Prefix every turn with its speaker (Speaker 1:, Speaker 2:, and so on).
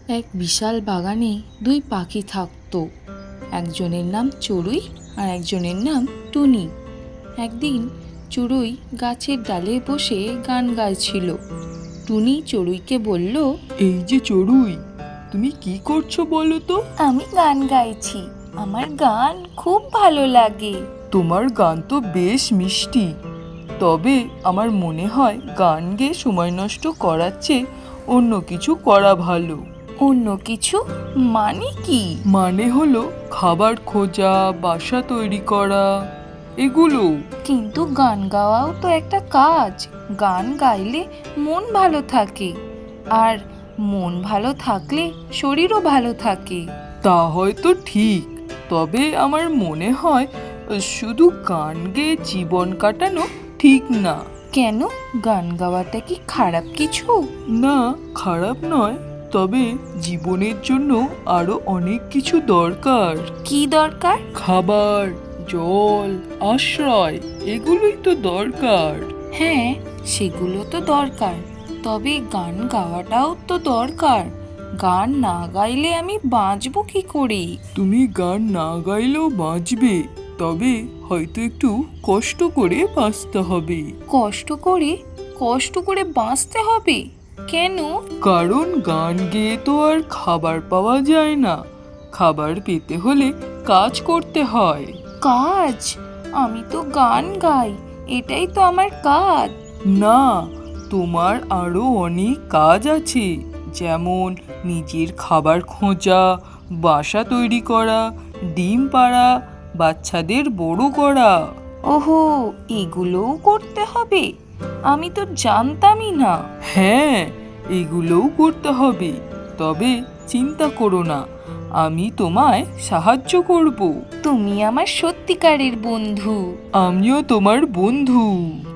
Speaker 1: এক বিশাল বাগানে দুই পাখি থাকতো। একজনের নাম চড়ুই আর একজনের নাম টুনি। একদিন চড়ুই গাছের ডালে বসে গান গাইছিল। টুনি চড়ুইকে বলল,
Speaker 2: এই যে চড়ুই, তুমি কি করছো বলো তো?
Speaker 1: আমি গান গাইছি, আমার গান খুব ভালো লাগে।
Speaker 2: তোমার গান তো বেশ মিষ্টি, তবে আমার মনে হয় গান গেয়ে সময় নষ্ট করার চেয়ে অন্য কিছু করা ভালো।
Speaker 1: অন্য কিছু মানে কি?
Speaker 2: মানে হলো খাবার খোঁজা, বাসা তৈরি করা, এগুলো।
Speaker 1: কিন্তু গান গাওয়াও তো একটা কাজ। গান গাইলে মন ভালো থাকে, আর মন ভালো থাকলে শরীরও ভালো থাকে।
Speaker 2: তা হয়তো ঠিক, তবে আমার মনে হয় শুধু গান গেয়ে জীবন কাটানো ঠিক না।
Speaker 1: কেন, গান গাওয়াটা কি খারাপ কিছু?
Speaker 2: না, খারাপ নয়, তবে জীবনের জন্য আরো অনেক কিছু দরকার।
Speaker 1: কি দরকার?
Speaker 2: খাবার, জল, আশ্রয়, এগুলোই তো দরকার।
Speaker 1: হ্যাঁ, সেগুলো তো দরকার, তবে গান গাওয়াটাও তো দরকার। গান না গাইলে আমি বাঁচবো কি করে?
Speaker 2: তুমি গান না গাইলেও বাঁচবে, তবে হয়তো একটু কষ্ট করে বাঁচতে হবে।
Speaker 1: কষ্ট করে বাঁচতে হবে কেন?
Speaker 2: কারণ গান গেয়ে তো আর খাবার পাওয়া যায় না। খাবার পেতে হলে কাজ করতে হয়।
Speaker 1: কাজ? আমি তো গান গাই, এটাই তো আমার কাজ।
Speaker 2: না, তোমার আরো অনেক কাজ আছে, যেমন নিজের খাবার খোঁজা, বাসা তৈরি করা, ডিম পাড়া, বাচ্চাদের বড় করা।
Speaker 1: ওহো, এগুলোও করতে হবে? আমি তো জানতামই না।
Speaker 2: হ্যাঁ, এগুলোও করতে হবে, তবে চিন্তা করো না, আমি তোমায় সাহায্য করব।
Speaker 1: তুমি আমার সত্যিকারের বন্ধু।
Speaker 2: আমিও তোমার বন্ধু।